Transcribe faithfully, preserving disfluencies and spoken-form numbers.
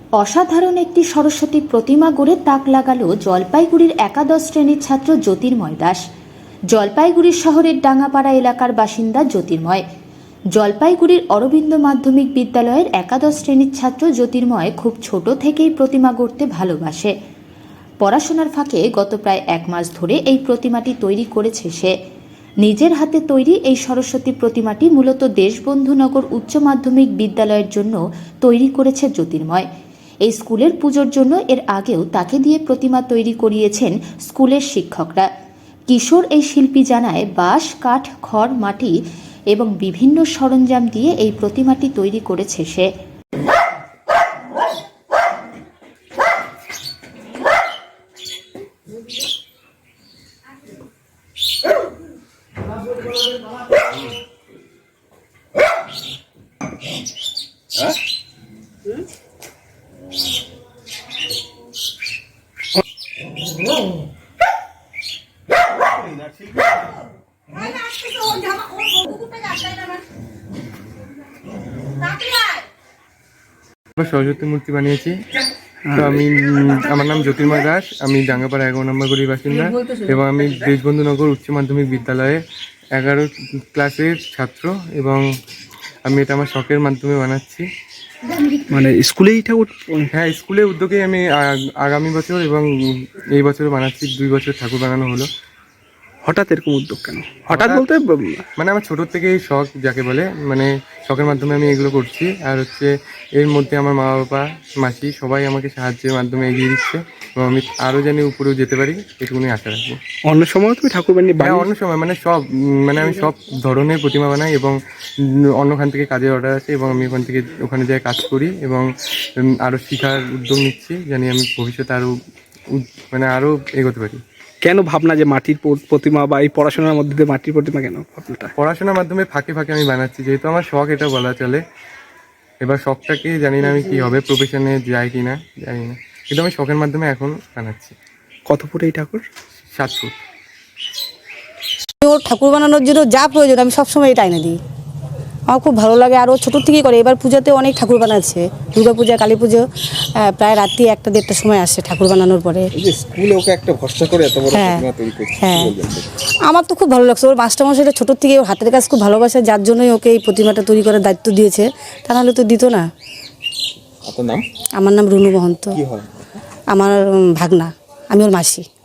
অসাধারণ একটি সরস্বতী প্রতিমা গড়ে তাক লাগালো জলপাইগুড়ির একাদশ শ্রেণীর ছাত্র জ্যোতির্ময় দাস। জলপাইগুড়ি শহরের ডাঙ্গাপাড়া এলাকার বাসিন্দা জ্যোতির্ময় জলপাইগুড়ির অরবিন্দ মাধ্যমিক বিদ্যালয়ের একাদশ শ্রেণীর ছাত্র জ্যোতির্ময় খুব ছোট থেকেই প্রতিমা গড়তে ভালোবাসে। পড়াশোনার ফাঁকে গত প্রায় এক মাস ধরে এই প্রতিমাটি তৈরি করেছে সে। নিজের হাতে তৈরি এই সরস্বতী প্রতিমাটি মূলত দেশবন্ধুনগর উচ্চ মাধ্যমিক বিদ্যালয়ের জন্য তৈরি করেছে জ্যোতির্ময়। এই স্কুলের পুজোর জন্য এর আগেও তাকে দিয়ে প্রতিমা তৈরি করিয়েছেন স্কুলের শিক্ষকরা। কিশোর এই শিল্পী জানায়, বাঁশ, কাঠ, খড়, মাটি এবং বিভিন্ন সরঞ্জাম দিয়ে এই প্রতিমাটি তৈরি করেছে সে। সরস্বতী মূর্তি বানিয়েছি। তো আমি আমার নাম জ্যোতির্ময় দাস, আমি ডাঙ্গাপাড়া এগারো নম্বর গলির বাসিন্দা এবং আমি দেশবন্ধুনগর উচ্চ মাধ্যমিক বিদ্যালয়ে এগারো ক্লাসের ছাত্র এবং আমি এটা আমার শখের মাধ্যমে বানাচ্ছি। মানে স্কুলেই ঠাকুর? হ্যাঁ, স্কুলের উদ্যোগেই আমি আগামী বছর এবং এই বছর বানাচ্ছি। দুই বছর ঠাকুর বানানো হলো। হঠাৎ এরকম উদ্যোগ কেন? হঠাৎ বলতে মানে আমার ছোটোর থেকেই শখ, যাকে বলে, মানে শখের মাধ্যমে আমি এগুলো করছি। আর হচ্ছে এর মধ্যে আমার মা বাবা, মাসি সবাই আমাকে সাহায্যের মাধ্যমে এগিয়ে দিচ্ছে এবং আমি আরও জানি উপরেও যেতে পারি, এটুকুনি আশা রাখবো। অন্য সময় তুমি ঠাকুর বানিয়ে? হ্যাঁ, অন্য সময় মানে সব মানে আমি সব ধরনের প্রতিমা বানাই এবং অন্যখান থেকে কাজের অর্ডার আছে এবং আমি ওখান থেকে ওখানে যাই কাজ করি এবং আরও শেখার উদ্যোগ নিচ্ছি, জানি আমি ভবিষ্যতে আরও মানে আরও এগোতে পারি। কেন ভাবনা যে মাটির প্রতিমা বা এই পড়াশোনার মধ্যে দিয়ে মাটির প্রতিমা কেন ভাবনাটা? পড়াশোনার মাধ্যমে ফাঁকে ফাঁকে আমি বানাচ্ছি, যেহেতু আমার শখ, এটা বলা চলে। এবার শখটাকে জানি না আমি কি হবে, প্রফেশনে যাই কি না জানি না, কিন্তু আমি শখের মাধ্যমে এখন বানাচ্ছি। কত ফুট এই ঠাকুর? সাত ফুট। ওর ঠাকুর বানানোর জন্য যা প্রয়োজন আমি সবসময় এটা এনে দিই। আমার খুব ভালো লাগে। আর ও ছোটোর থেকেই করে। এবার পুজোতে অনেক ঠাকুর বানাচ্ছে, দুর্গা পূজা, কালী পুজো, প্রায় রাত্রি একটা দেড়টার সময় আসে ঠাকুর বানানোর পরে। স্কুলে ওকে একটা ভরসা করে এত বড় প্রতিমা তৈরি করছে। হ্যাঁ, আমার তো খুব ভালো লাগছে। ওর মাস্টারমশাইটা ছোটোর থেকে ওর হাতের কাজ খুব ভালোবাসে, যার জন্যই ওকে এই প্রতিমাটা তৈরি করার দায়িত্ব দিয়েছে। তা নাহলে তো দিত না। আপনার নাম? আমার নাম রুনু মহন্ত। কি হয়? আমার ভাগনা, আমি ওর মাসি।